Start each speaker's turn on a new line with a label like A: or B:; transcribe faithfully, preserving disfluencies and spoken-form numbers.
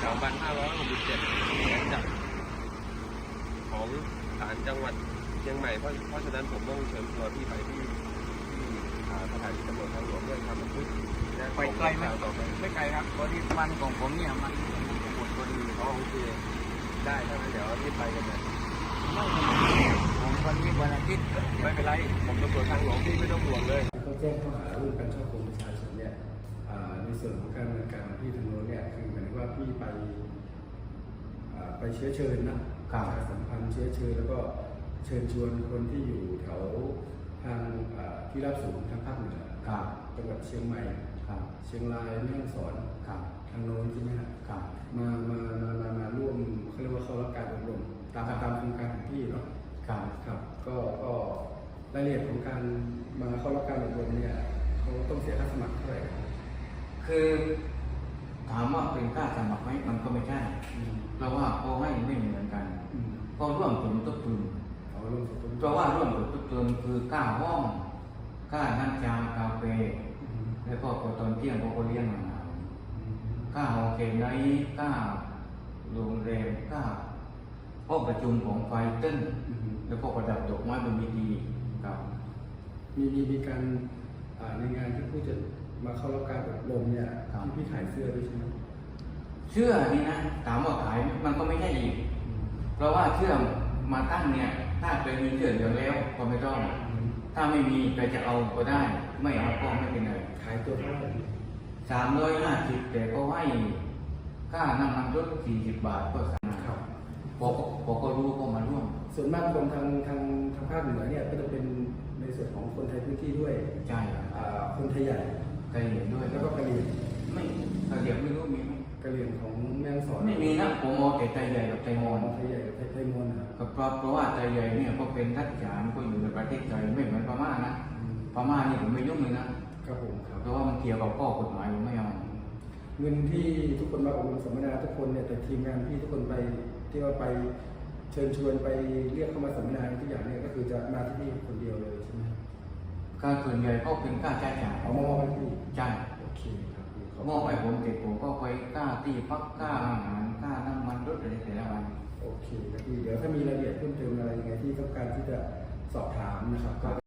A: องพันห้าร้อยหกสิบเจ็ดหมายจับของศาลจังหวัดเชียงใหม่เพราะเพราะฉะนั้นผมต้องเชิญตัวพี่ไปที่ที่สถานีตำรวจทางหลวงเพื่อทำบันทึกนะไปไกลไหมต่อไปไม่ไกลครับพอดีวันของผมเนี่ยมันหมดพอดีเขาโอเคได้ถ้างั้นเดี๋ยวรีบไปกันเลยไม่ผมวันนี้วันอาทิตย์ไม่เป็นไรผมตำรวจทางหลวงพี่ไม่ต้องห่วงเลย
B: เขาแจ้งข้อหาเรื่องการช่อโกงประชาชนเนี่ยในส่วนของการดำเนินการของพี่ทางโน้นเนี่ยคือหมายถึงว่าพี่ไปไปเชื้อเชิญนะการสัมพันธ์เชื้อเชิญแล้วก็เชิญชวนคนที่อยู่แถวทางที่รับสูงทางภาคเหนือจังหวัดเชียงใหม่เชียงรายแม่ฮ่องสอนทางโน้นใช่ไหมครับมามามามามาร่วมเขาเรียกว่าเข้ารับการอบรมตามตามโครงการของพี่เนาะครับครับก็ก็รายละเอียดของการมาเข้ารับการอบรมเนี่ยเขาต้องเสียค่าสมัครเท่าไหร่
C: คือถามว่าเป็นค่าสมัครไหมมันก็ไม่ใช่เพราะว่าเขาให้ไม่เหมือนกันก็ร่วมสมทบทุนเพราะว่าร่วมสมทบทุนคือค่าห้องค่าน้ำชากาแฟแล้วก็ตอนเที่ยงเขาก็เลี้ยงอาหารค่าโฮเทลไนท์ค่าโรงแรมค่าห้องประชุมของไฟเต้นแล้วก็ประดับดอกไม้บนเวทีครับ
B: มีมีมีการในงานที่ผู้จะมาเข้ารับการอบรมเนี่ยที่พี่ขายเสื้อด้วยใช่ไหม
C: เสื้อนี่นะถามว่าขายมันก็ไม่ใช่อีกเพราะว่าเสื้อมาตั้งเนี่ยถ้าเคยมีเสื้อเหลืองแล้วก็ไม่ต้องถ้าไม่มีใครจะเอาก็ได้ไม่เอาก็ไม่เป็นไร
B: ขายตัวเท่าไหร่
C: สามร้อยห้าสิบแต่ก็ให้ค่าน้ำมันรถสี่สิบบาทก็สั่งพอพอก็รู้ก็มาร่วม
B: ส่วนมากคนทางทางทางภาคเหนือเนี่ยก็จะเป็นในส่วนของคนไทยพื้นที่ด้วย
C: ใช่
B: คนไทยใหญ่
C: กะเหรี่ยงด้วย
B: แล้วก็กะเหรี่ยง
C: ไม่กะเหรี่ยงไม่รู้มีไหม
B: กะเหรี่ยงของแม่ฮ่องสอน
C: ไม่มีนะผมมองแต่ไทยใหญ่กับไทยมอญ
B: ไทยใหญ่กับไทยมอญ
C: นะครับเพราะเพราะว่าไทยใหญ่เนี่ยก็เป็นรัฐฉานก็อยู่ในประเทศไทยไม่เหมือนพม่านะพม่านี่ผมไม่ยุ่งเลยนะครับ
B: ผมครับ
C: เพราะว่ามันเกี่ยวกับข้อกฎหมายผมไม่เอา
B: เงินที่ทุกคนมาอบรมสัมมนาทุกคนเนี่ยแต่ทีมงานพี่ทุกคนไปที่ว่าไปเชิญชวนไปเรียกเข้ามาสัมมนาทุกอย่างเนี่ยก็คือจะมาที่นี่คนเดียวเลยใช่ไหม
C: การส่วนใหญ่ก็เป็นค่าใช้จ่าย
B: เอามอบให้พี่
C: ใช่
B: โอเคครับ
C: มอบให้ผมเสร็จผมก็ไปค่าที่พักค่าอาหารค่าน้ำมันรถอะไรแต่ละวัน
B: โอเคครับพี่เดี๋ยวถ้ามีรายละเอียดเพิ่มเติมอะไรยังไงที่ต้องการที่จะสอบถามนะครับ